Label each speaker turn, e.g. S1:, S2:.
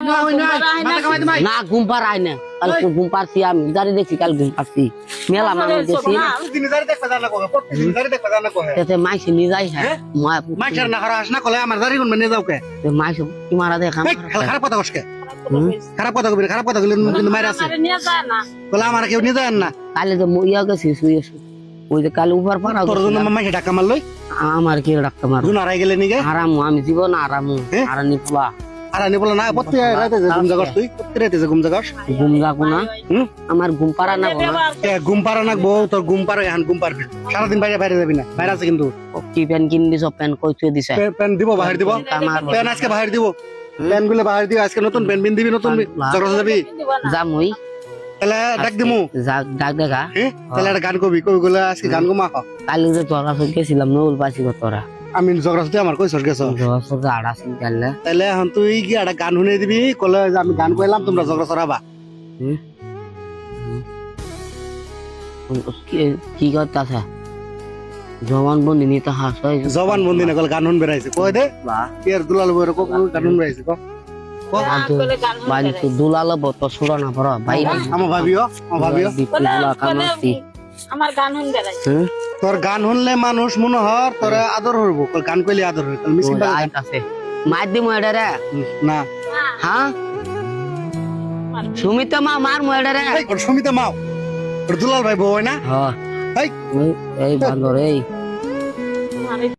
S1: না ঘুম পার আয় না কাল ঘুম পারছি আমি জারি দেখছি কাল ঘুম পারছি মেলা মানুষ দেখছি তেতে মাইসি নিয়ে যাই হ্যাঁ
S2: মাইসের না খারাপ না কলে আমার দাড়ি গুন নিয়ে যাও কে
S1: মাইস কি মারা দেখা
S2: খারাপ কথা কসকে খারাপ কথা কবি খারাপ কথা কইলে কিন্তু মাইরা আছে বলে আমার কেউ নিয়ে যায় না
S1: কালে তো ইয়া গেছি শুয়ে ওই যে কালে উপর পারা
S2: তোর জন্য মাইসে ডাকা মারলই
S1: আমার কি ডাক্তার মার
S2: জুন হারাই গেলে নিগে
S1: আরাম আমি জীবন আরাম আরানি পোলা
S2: আর আনি বলে না প্রত্যেক রাতে যে ঘুম জাগাস তুই প্রত্যেক রাতে যে ঘুম জাগাস
S1: ঘুম যাবো না আমার ঘুম পারা না
S2: ঘুম পারা না বউ তোর ঘুম পারো এখন ঘুম পারবি সারাদিন বাইরে বাইরে যাবি না বাইরে আছে কিন্তু
S1: কি প্যান কিন দিছ প্যান কই তুই দিছে
S2: প্যান দিব বাহির দিব প্যান আজকে বাহির দিব প্যান গুলো বাহির দিব আজকে নতুন প্যান বিন দিবি নতুন জগৎ যাবি
S1: যামুই
S2: তাহলে ডাক দিমু
S1: ডাক দেখা
S2: তাহলে একটা গান কবি কবি গুলো আজকে গান গো মাখ
S1: কালি যে তোর কাছে গেছিলাম নৌল পাইছি তোরা
S2: আমি জগরাসতে আমার কই সর গেছ
S1: আড়া চিন্তালে
S2: তাহলে এখন তুই কি একটা গান শুনে দিবি কলে যে আমি গান কইলাম তোমরা জগরা সরাবা
S1: কি করতেছে জবান বন্দি নিতে হাস
S2: জবান বন্দি না কলে গান শুন বেরাইছে কই দে এর দুলাল বইরে কো গান শুন বেরাইছে কো
S1: বাড়ি তো দুলাল বত সুরা না পড়া ভাই
S2: আমার ভাবিও
S1: দুলা কামাতি
S3: আমার গান শুন বেড়াইছে
S2: তোর গান শুনলে মানুষ মনে হর তোর আদর হইব গান কইলে আদর হইব মিসিং
S1: আছে মার দি ময়ডা রে
S2: না
S1: হ্যাঁ সুমিতা মা মার ময়ডা রে
S2: এই সুমিতা মাও দুলাল ভাই বউ না
S1: হ্যাঁ
S2: এই
S1: এই বান্দর এই